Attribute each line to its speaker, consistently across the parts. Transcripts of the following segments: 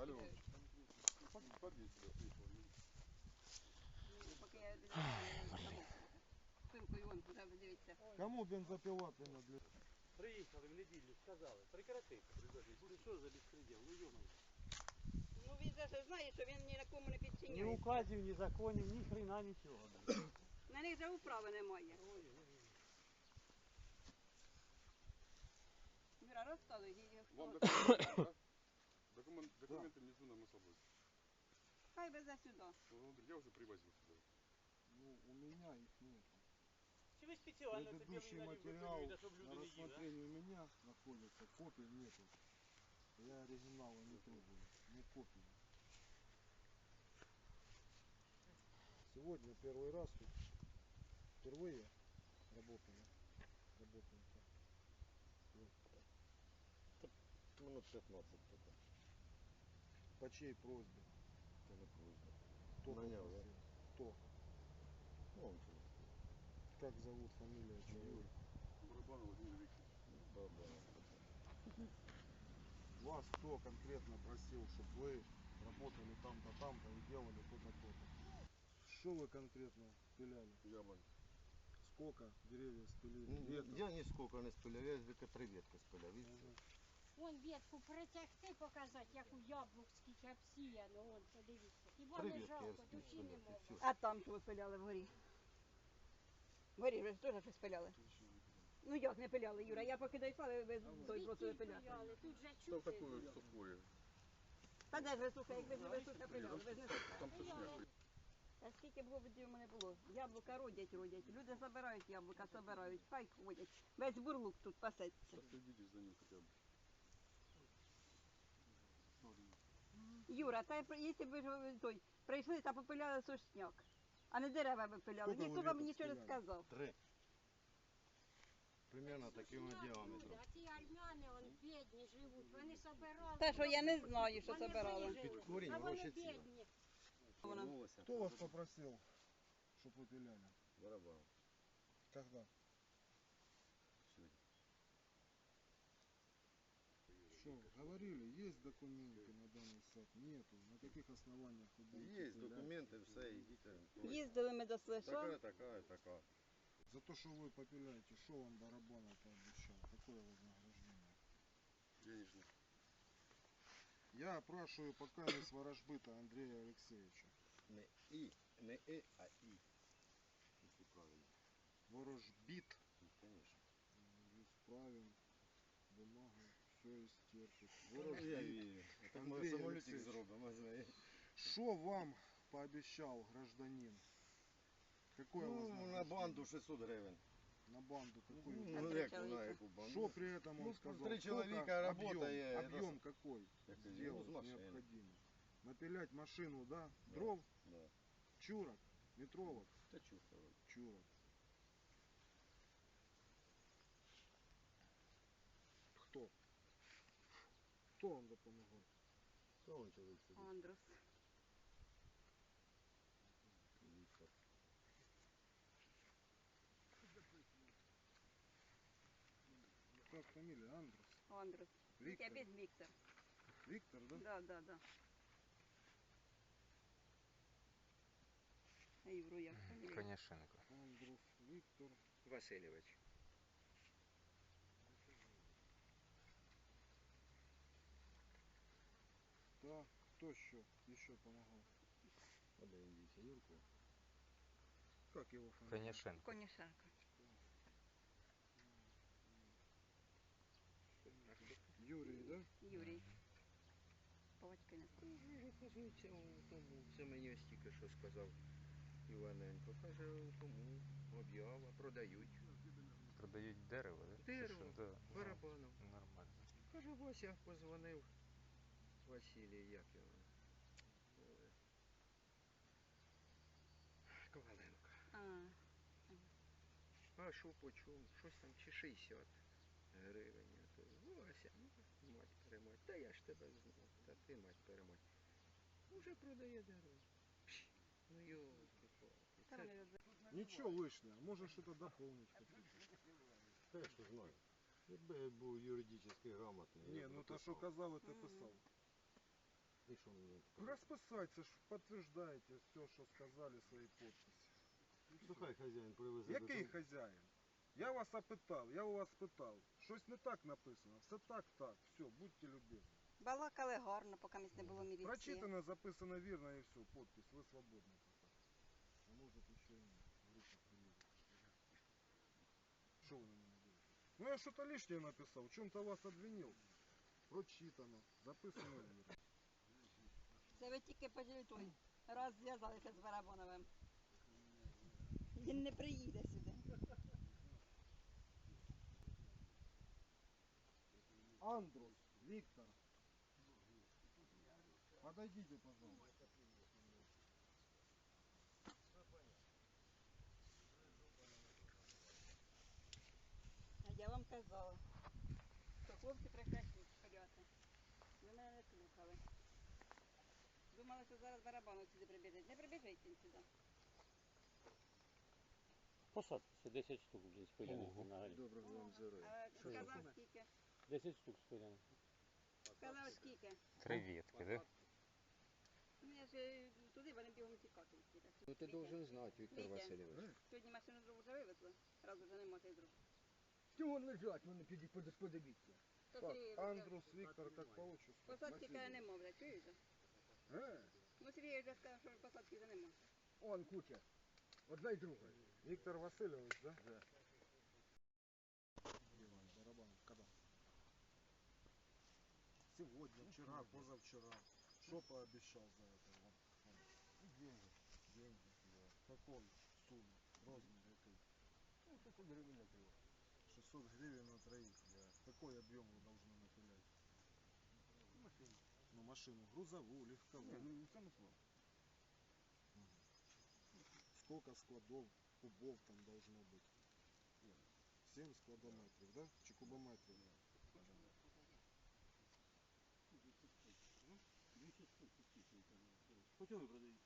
Speaker 1: Алло. Подъедь сюда, приехал.
Speaker 2: Поки я пилкою вон туди, дивіться.
Speaker 3: Кому бензопила принадлежит?
Speaker 4: Приїхали в неділю, сказали, прекрати. Що за безпреділ? Ну йоно.
Speaker 2: Ну він же знає, що він ні на кому не
Speaker 4: Ні
Speaker 2: підчиняється.
Speaker 4: указів, ні законів, ні хрена нічого.
Speaker 2: На них же управи немає. Юра, розказуй,
Speaker 1: Вам
Speaker 2: хто.
Speaker 1: документы, да? Документы внизу на собой.
Speaker 2: Хай везе сюди.
Speaker 1: Я уже привозил сюда.
Speaker 3: Ну, у меня их нет.
Speaker 4: Чи ви спеціально це
Speaker 3: Предыдущий
Speaker 4: білий
Speaker 3: материал
Speaker 4: налив, щоб
Speaker 3: на
Speaker 4: люди не їли, а?
Speaker 3: рассмотрении у меня находится, копий нету. Я оригинала не требую, не копии. Сегодня первый раз тут, впервые работаем.
Speaker 5: Минут 15 только.
Speaker 3: По чьей просьбе?
Speaker 5: Это не просьба.
Speaker 3: Кто
Speaker 5: Нанял, да?
Speaker 3: попросил? Кто?
Speaker 5: Ну, он что?
Speaker 3: Как зовут, фамилия, чего?
Speaker 1: Барабан Владимир Викторович.
Speaker 5: Да.
Speaker 3: Вас кто конкретно просил, чтобы вы работали там-то и делали то-то, то-то? Что вы конкретно пиляли?
Speaker 1: Яблонь.
Speaker 3: Сколько деревьев спилили? Веток?
Speaker 5: Я нисколько не спиляв, я тільки 3 ветки спиляв. І все.
Speaker 6: Вон ветку притягти, показати, яку яблук скільки обсіяно, вон, подивіться. Хіба
Speaker 5: Три
Speaker 6: не
Speaker 5: ветки я
Speaker 6: жалко,
Speaker 5: встиг
Speaker 6: душі не
Speaker 5: спиляти,
Speaker 6: можна.
Speaker 5: все.
Speaker 2: А там що ви пиляли вгорі? Вгорі ви ж теж щось пиляли? Ну як не пиляли, Юра? Я поки дійшла, ви той просто
Speaker 6: Звідки
Speaker 2: пиляли.
Speaker 6: пиляли? Тут же
Speaker 1: Что
Speaker 6: чути.
Speaker 1: такое сухое?
Speaker 2: Та де ж ви сухе, як ви ж сухе пиляли, ви ж не сухе.
Speaker 1: Там сушняк.
Speaker 2: Та скільки б голубів у мене було? Яблука родять. Люди забирають яблука, забирають, хай ходять. Весь бурлук тут пасеться.
Speaker 1: Последите за ним хотя бы.
Speaker 2: Юра, та якщо б ви той прийшли та попиляли сушняк, а не дерева випиляли,
Speaker 3: Скільки
Speaker 2: ніхто
Speaker 3: ви
Speaker 2: вам
Speaker 3: веток
Speaker 2: нічого не
Speaker 3: спиляли?
Speaker 2: сказав.
Speaker 5: 3. Примерно таким діаметром.
Speaker 6: А ті армяни, он бідні живуть, вони собирали.
Speaker 2: Та що я не знаю, що
Speaker 6: Вони
Speaker 2: забирали.
Speaker 6: вижили,
Speaker 5: корінь
Speaker 6: а вони
Speaker 5: гроші ціла.
Speaker 6: бідні.
Speaker 3: Кто вас попросил, чтобы вы пиляли?
Speaker 5: Барабан.
Speaker 3: Когда?
Speaker 5: Сегодня.
Speaker 3: Что, говорили, есть документы на данный сад? Нету. На каких основаниях вы будете
Speaker 5: Есть
Speaker 3: пилять?
Speaker 5: документы, все, идите.
Speaker 2: Їздили ми до Слеша.
Speaker 5: Такая.
Speaker 3: За то, что вы попиляете, что вам Барабанов пообещал? Какое вознаграждение?
Speaker 1: Денежный.
Speaker 3: Я опрашиваю покойность ворожбыта Андрея Алексеевича.
Speaker 5: Не а и. Если правильно.
Speaker 3: Ворожбит.
Speaker 5: Ну, конечно.
Speaker 3: Исправим. Бумагу. Все истерпит.
Speaker 5: Я
Speaker 3: Ворожбит.
Speaker 5: верю. Так мы
Speaker 3: Андрей
Speaker 5: самолетик
Speaker 3: Алексеевич.
Speaker 5: зробимо, знаєш.
Speaker 3: Что вам пообещал гражданин? Какое
Speaker 5: Ну,
Speaker 3: вознаграждение?
Speaker 5: на банду 600 гривень.
Speaker 3: На банду какую?
Speaker 2: На
Speaker 5: Ну,
Speaker 2: три
Speaker 5: як
Speaker 2: чоловіка.
Speaker 5: на яку банду?
Speaker 3: Что при этом он
Speaker 5: Ну,
Speaker 3: сказал?
Speaker 5: 3
Speaker 3: Сколько
Speaker 5: человека работает,
Speaker 3: Объем какой
Speaker 5: это ну,
Speaker 3: сделать
Speaker 5: с машины.
Speaker 3: необходимо? Напилять машину, да? Дров,
Speaker 5: Да.
Speaker 3: чурок, метровок,
Speaker 5: Та чушка вроде.
Speaker 3: чурок. Кто? Кто вам допомагав?
Speaker 5: Та он чоловік сидить.
Speaker 2: Андрус.
Speaker 5: Віктор.
Speaker 3: Как фамилия? Андрус?
Speaker 2: Андрус.
Speaker 3: Віктор.
Speaker 2: Опять Віктор.
Speaker 3: Виктор, да?
Speaker 2: Да. А Юру як фамілія?
Speaker 7: Конішенко.
Speaker 3: Андрус Виктор.
Speaker 7: Васильович.
Speaker 3: Да. Кто еще помогал?
Speaker 5: Подивіться, Юрку.
Speaker 3: Как его фамилия?
Speaker 7: Конішенко.
Speaker 2: Конішенко.
Speaker 3: Юрий, да?
Speaker 2: Юрій. Павочки не знаю.
Speaker 7: Каже, оказується, у тому, це мені ось тільки що сказав Іваненко. Каже, у тому об'ява, продають. Продають дерево, да? Дерево, Чи що? Да.
Speaker 6: барабаном.
Speaker 7: Ну, нормально.
Speaker 6: Каже, Вася позвонив Василій, як його? Коваленко. А що по чому? Щось там чи 60 гривень. А то Вася, ну, мать перемать. Та я ж тебе знав. Та ти мать перемать. Уже продає дерево. Ну йолки-палки.
Speaker 3: Ничего вышли, а может что-то дополнить хотите?
Speaker 5: Та я що знаю. Якби я був юридично грамотний. я
Speaker 3: Не,
Speaker 5: б
Speaker 3: ну то
Speaker 5: написав.
Speaker 3: что казал, это писал.
Speaker 5: І що мені?
Speaker 3: Расписаться, подтверждаете все, что сказали, свои подписи.
Speaker 5: Ну хай хазяїн привезе
Speaker 3: Який
Speaker 5: додому.
Speaker 3: хазяїн? Я вас опитав, я у вас спитав. Щось не так написано. Все так, все, будьте любезні.
Speaker 2: Балакали гарно, поки місць не було міліції.
Speaker 3: Прочитано, записано вірно і все, подпись, ви свободні. А може ще й група приїде. Що ви на мене дивитесь? Ну я що-то лишнее написав, в чому-то вас обвинив. Прочитано, записано вірно.
Speaker 2: Це ви тільки той раз зв'язалися з Барабановим. Він не приїде сюди.
Speaker 3: Андрус, Виктор. Подойдите, пожалуйста.
Speaker 2: А я вам казала, що хлопці прекратіть шпиляти. Ви мене не слухали. Думали, що зараз Барабанов сюди прибіжить. Не прибіжить він сюди.
Speaker 4: Посадці 10 штук вже спиляних на горі.
Speaker 6: Доброго вам здоров'я.
Speaker 2: А сказав скільки?
Speaker 4: 10 штук спиляних.
Speaker 2: Сказав скільки?
Speaker 7: Креветки, да?
Speaker 2: Ну я ж туди, вони бігом тікати.
Speaker 6: Ну ти должен знати, Віктор
Speaker 2: Вітя.
Speaker 6: Васильович.
Speaker 2: Сьогодні машину дров вже вивезли, раз уже нема тих дров.
Speaker 6: Чого лежать, вони подивіться.
Speaker 2: То
Speaker 3: Так,
Speaker 2: Сергій,
Speaker 3: Андрус, Виктор, как по отчеству?
Speaker 2: посадки каже нема, блядь, чуєте? Ну Сергій вже сказав, що посадки вже нема.
Speaker 6: Он куча. Одна й друга.
Speaker 3: Виктор Васильевич, да? Да. Барабан, когда? Сегодня, вчера, позавчера. Что пообещал за это? Деньги. Деньги, да. Какой суммы? Размер какой?
Speaker 5: 600 гривень на троє.
Speaker 3: 600 гривен на троих, да. Какой объем вы должны напилять?
Speaker 5: Машину.
Speaker 3: Ну, машину грузовую, легковую.
Speaker 5: Ні, ну це не слово.
Speaker 3: Сколько складов, кубов там должно быть? 7 складометров, да? Чи кубометров?
Speaker 4: 200 штук підписується. По чому ви продаєте?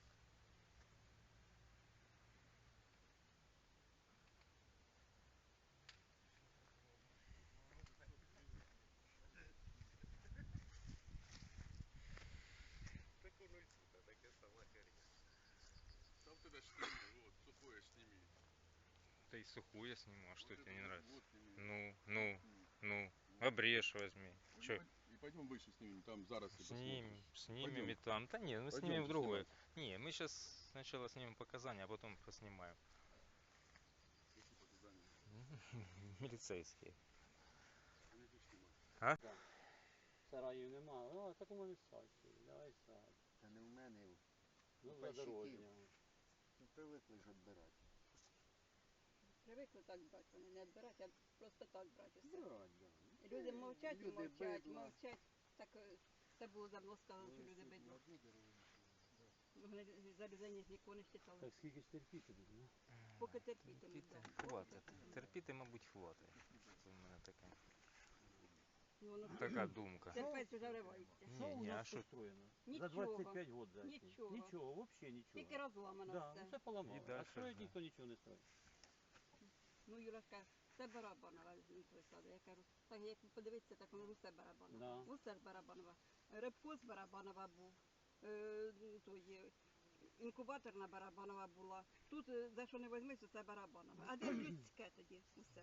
Speaker 1: Там тогда сними, вот, сухое сними.
Speaker 7: Да и сухую сниму, а что
Speaker 1: Вот
Speaker 7: тебе
Speaker 1: это
Speaker 7: не
Speaker 1: вот,
Speaker 7: нравится?
Speaker 1: вот сними.
Speaker 7: Ну, обрежь возьми. Чё?
Speaker 1: И пойдем выше снимем, там заросли
Speaker 7: Снимем,
Speaker 1: посмотришь.
Speaker 7: снимем
Speaker 1: Пойдем.
Speaker 7: и там. Да нет, мы
Speaker 1: Пойдемте
Speaker 7: снимем в другое.
Speaker 1: снимать.
Speaker 7: Не, мы сейчас сначала снимем показания, а потом поснимаем.
Speaker 1: Какие показания?
Speaker 7: Милицейские.
Speaker 1: Они же снимают.
Speaker 4: Сараїв нема. Ну, а так у мене садь. Давай садь.
Speaker 5: Та не в мене.
Speaker 4: Ну, за дорожня.
Speaker 5: Ну, привикли ж відбирати.
Speaker 2: Привикли так брати, вони не відбирати, а просто так брати усе.
Speaker 5: Брать, да.
Speaker 2: Люди мовчать і
Speaker 5: Люди
Speaker 2: мовчать,
Speaker 5: бидла.
Speaker 2: мовчать. Так це було давно сказано, що люди бидло. Вони залізання з вікони считали.
Speaker 4: Так скільки ж терпіти буде, ну?
Speaker 2: Поки терпітимуть,
Speaker 7: Терпіти
Speaker 2: так.
Speaker 7: хватить. Терпіти, мабуть, хватить. Це в мене таке.
Speaker 2: Ну, воно
Speaker 7: Така думка.
Speaker 2: терпець вже ривається.
Speaker 4: Що у
Speaker 7: Ні, а
Speaker 4: нас
Speaker 7: що?
Speaker 4: построєно?
Speaker 2: Нічого.
Speaker 4: За 25 років за ці.
Speaker 2: Нічого.
Speaker 4: Нічого, взагалі нічого.
Speaker 2: Тільки розламано
Speaker 4: Да,
Speaker 2: все.
Speaker 4: все поламало.
Speaker 7: І
Speaker 4: А
Speaker 7: дальше
Speaker 4: строїть
Speaker 7: ж, да.
Speaker 4: ніхто нічого не строїть.
Speaker 2: Ну, Юра каже, це Барабанова він присади. Я кажу, так як подивитися, так воно усе Барабанова.
Speaker 4: Да.
Speaker 2: Усе ж Барабанова. Рибко з Барабанова був. Той, інкубаторна Барабанова була. Тут, за що не візьмись, усе Барабанова. А де людське тоді усе?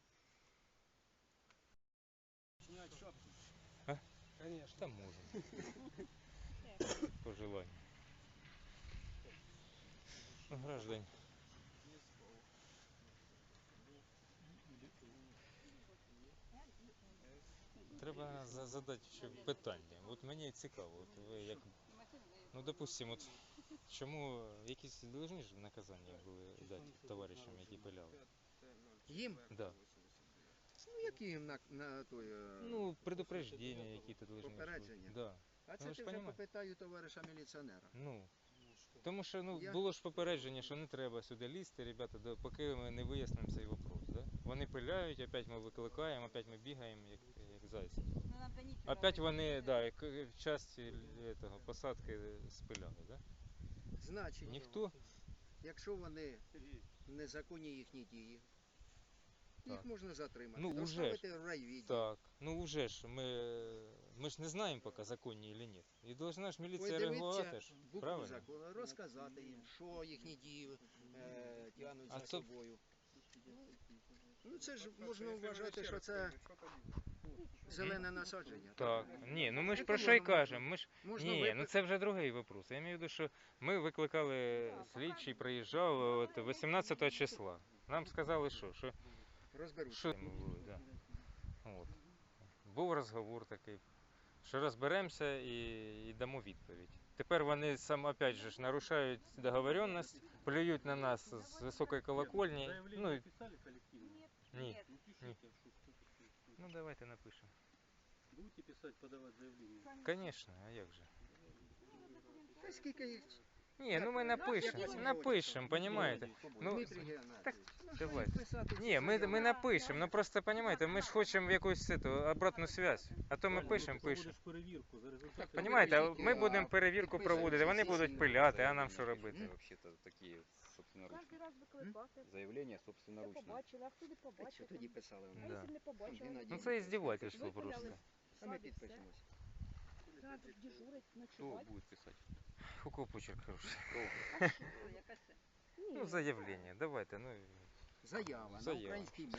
Speaker 1: Снять шапку.
Speaker 7: Конечно. Там можно. По желанию. Ну, граждане. Треба задати ще питання. От мені цікаво, от ви як, ну допустим, от чому якісь должні ж наказання були дати товаришам, які пиляли?
Speaker 6: Їм?
Speaker 7: Да.
Speaker 6: Ну які їм на той...
Speaker 7: Ну, предупреждення які-то должны.
Speaker 6: Попередження?
Speaker 7: Да.
Speaker 6: А це
Speaker 7: ви ж
Speaker 6: ти вже
Speaker 7: понімаєте?
Speaker 6: попитаю товариша міліціонера.
Speaker 7: Ну, тому що ну,
Speaker 6: Я-
Speaker 7: було ж попередження, що не треба сюди лізти, ребята, поки ми не вияснимо цей вопрос. Да? Вони пиляють, опять ми викликаємо, опять ми бігаємо, як зайці.
Speaker 2: Ну, нам та нічого
Speaker 7: Опять
Speaker 2: робити.
Speaker 7: вони, да, як в часті этого, посадки спиляли, да?
Speaker 6: Значить,
Speaker 7: Ніхто,
Speaker 6: якщо вони незаконні їхні дії, Їх
Speaker 7: Так.
Speaker 6: можна затримати.
Speaker 7: Ну, уже ж.
Speaker 6: доставити в райвідділ.
Speaker 7: Так, ну уже ж ми ж не знаємо поки, законні чи ні. І должна ж міліція реагувати
Speaker 6: Подивитися
Speaker 7: ж,
Speaker 6: букву
Speaker 7: правильно?
Speaker 6: закону, розказати їм, що їхні дії тягнуть
Speaker 7: А
Speaker 6: за
Speaker 7: то-
Speaker 6: собою. Ну це ж можна вважати, що це зелене насадження.
Speaker 7: Так, ні, ну ми ж
Speaker 6: Яке
Speaker 7: про що й
Speaker 6: можна-
Speaker 7: кажемо. Ми ж
Speaker 6: Можна
Speaker 7: ні, ну це вже другий вопрос. Я маю в виду, що ми викликали слідчий, приїжджав от 18 числа. Нам сказали, що
Speaker 6: розберуться.
Speaker 7: що ми були, да. От. Був розговор такий, що розберемося і дамо відповідь. Тепер вони опять же ж нарушають договоренність, плюють на нас з високої колокольні.
Speaker 4: Заявление
Speaker 7: Ну,
Speaker 4: писали коллективно?
Speaker 7: ні.
Speaker 4: Ну пишите, что кто-то пишет.
Speaker 7: Ну давайте напишемо.
Speaker 4: Будете писать, подавать заявление?
Speaker 7: Звісно, а як же?
Speaker 6: Та скільки їх?
Speaker 7: Ні, ну ми
Speaker 6: Як
Speaker 7: напишемо,
Speaker 6: вас
Speaker 7: напишемо, понімаєте? Ну,
Speaker 6: Дмитрий Геннадійович.
Speaker 7: так,
Speaker 6: Ну, що
Speaker 7: давайте.
Speaker 6: їх писати,
Speaker 7: Ні,
Speaker 6: ці
Speaker 7: ми
Speaker 6: заяви?
Speaker 7: напишемо, ну просто понімаєте, ми ж хочемо якусь обратну зв'язь. А то ми пишемо.
Speaker 4: Проводиш перевірку за результатами.
Speaker 7: Понімаєте, а ми
Speaker 6: А,
Speaker 7: будемо перевірку
Speaker 6: підписуємо
Speaker 7: проводити, вони
Speaker 6: всі
Speaker 7: будуть
Speaker 6: ці
Speaker 7: пиляти, а нам що робити?
Speaker 6: М?
Speaker 8: Вообще-то такие собственноручные.
Speaker 9: Кожен раз викликати.
Speaker 8: Заявление
Speaker 9: Це
Speaker 8: собственноручно.
Speaker 9: побачили, а хто не
Speaker 6: Та що
Speaker 9: побачив?
Speaker 6: тоді писали?
Speaker 9: А
Speaker 7: Да.
Speaker 9: якщо не побачили?
Speaker 6: Геннадій.
Speaker 7: Ну це іздівательство просто.
Speaker 6: А ми підпишемося.
Speaker 9: Треба дежурить,
Speaker 8: Кто
Speaker 9: ночувати.
Speaker 8: будет писать?
Speaker 7: У кого почерк хороший.
Speaker 2: Яка це?
Speaker 7: Ну заявлення, давайте, ну.
Speaker 6: Заява на
Speaker 7: Заява.
Speaker 6: українській